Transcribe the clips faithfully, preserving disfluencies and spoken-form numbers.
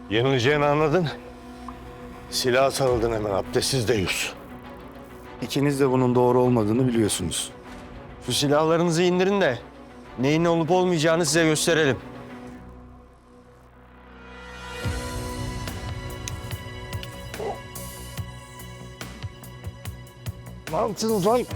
Yenileceğini anladın. Silaha sarıldın hemen abdestsiz deyiz. İkiniz de bunun doğru olmadığını biliyorsunuz. Şu silahlarınızı indirin de neyin olup olmayacağını size gösterelim. Ne yaptınız lan?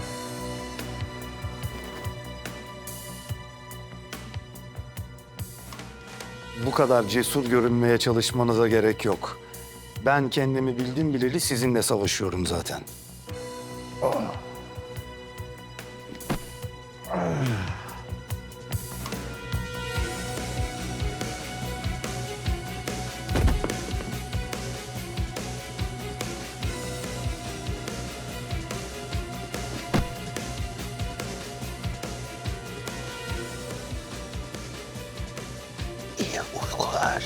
Bu kadar cesur görünmeye çalışmanıza gerek yok. Ben kendimi bildim bileli sizinle savaşıyorum zaten. İyi uykular.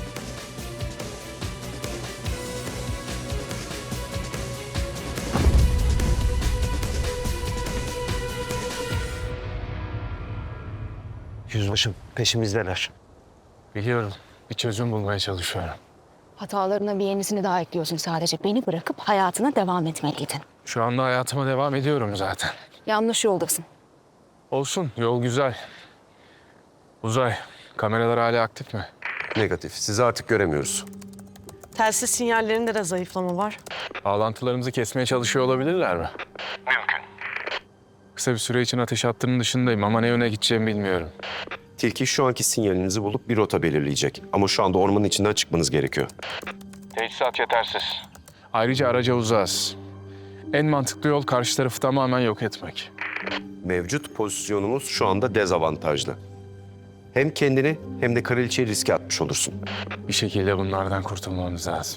Yüzbaşım peşimizdeler. Biliyorum. Bir çözüm bulmaya çalışıyorum. Hatalarına bir yenisini daha ekliyorsun sadece. Beni bırakıp hayatına devam etmeliydin. Şu anda hayatıma devam ediyorum zaten. Yanlış yoldasın. Olsun, yol güzel. Uzay, kameralar hala aktif mi? Negatif. Sizi artık göremiyoruz. Telsiz sinyallerinde de zayıflama var. Bağlantılarımızı kesmeye çalışıyor olabilirler mi? Mümkün. Kısa bir süre için ateş hattının dışındayım ama ne yöne gideceğimi bilmiyorum. Tilki şu anki sinyalinizi bulup bir rota belirleyecek. Ama şu anda ormanın içinden çıkmanız gerekiyor. Teçhizat yetersiz. Ayrıca araca uzağız. En mantıklı yol karşı tarafı tamamen yok etmek. Mevcut pozisyonumuz şu anda dezavantajlı. Hem kendini hem de kraliçeyi riske atmış olursun. Bir şekilde bunlardan kurtulmamız lazım.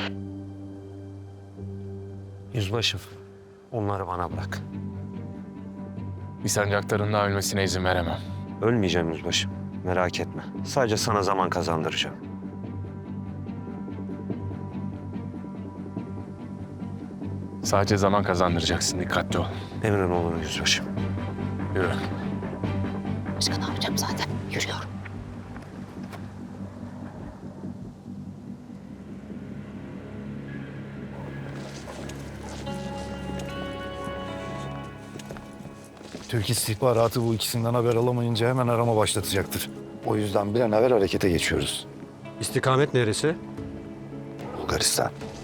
Yüzbaşım onları bana bırak. Bir sancaktarın daha ölmesine izin veremem. Ölmeyeceğim yüzbaşım. Merak etme. Sadece sana zaman kazandıracağım. Sadece zaman kazandıracaksın, dikkatli ol. Emrin olur yüzbaşım. Yürü. Başka ne yapacağım zaten? Yürüyorum. Türk istihbaratı bu ikisinden haber alamayınca hemen arama başlatacaktır. O yüzden bir an evvel harekete geçiyoruz. İstikamet neresi? Bulgaristan.